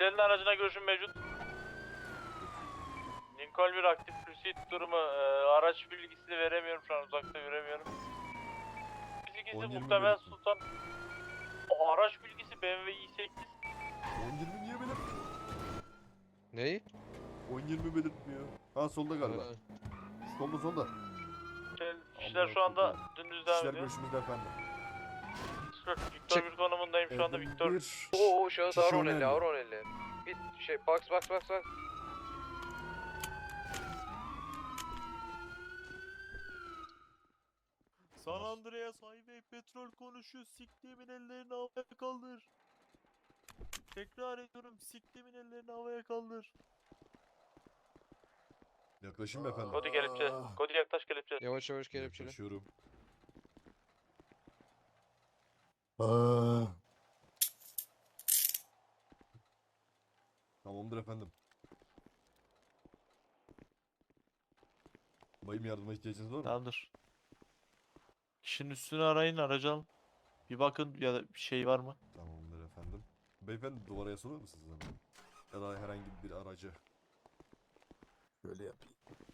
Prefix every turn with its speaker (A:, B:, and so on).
A: Kişilerin aracına görüşüm mevcut. Lincoln bir aktif pursuit durumu. Araç bilgisini veremiyorum şu an, uzakta göremiyorum. Bilgisi
B: 10-20
A: muhtemel
B: belirttim.
A: Sultan. Araç bilgisi BMW i8.
B: 10-20 niye belirtmiyor?
C: Neyi?
B: 10-20 belirtmiyor. Ha solda galiba. Solda.
A: Kişiler şu anda dümdüz devam
B: Kişiler
A: ediyor.
B: görüşümüzde efendim.
A: Victor
C: Çık.
A: bir konumundayım şu anda Victor.
B: Bir
C: Oo şahıs
B: kişi
C: ağır 1050
B: önemli.
C: ağır 1050. Git box.
D: San Andreas Highway petrol konuşuyor. Siktiğimin ellerini havaya kaldır. Tekrar ediyorum. Siktiğimin ellerini havaya kaldır.
B: Yaklaşayım mı efendim?
A: Kodi kelepçe. Kodi yaklaş kelepçe.
C: Yavaş kelepçeli.
B: Yaklaşıyorum. Aa. Tamamdır efendim. Bayım yardıma ihtiyacınız var mı?
D: Tamamdır. Kişinin üstünü arayın, aracı alın. Bir bakın ya da bir şey var mı?
B: Tamamdır efendim. Beyefendi duvara yaslanır mısınız hemen? Ya da herhangi bir aracı. Şöyle yapayım.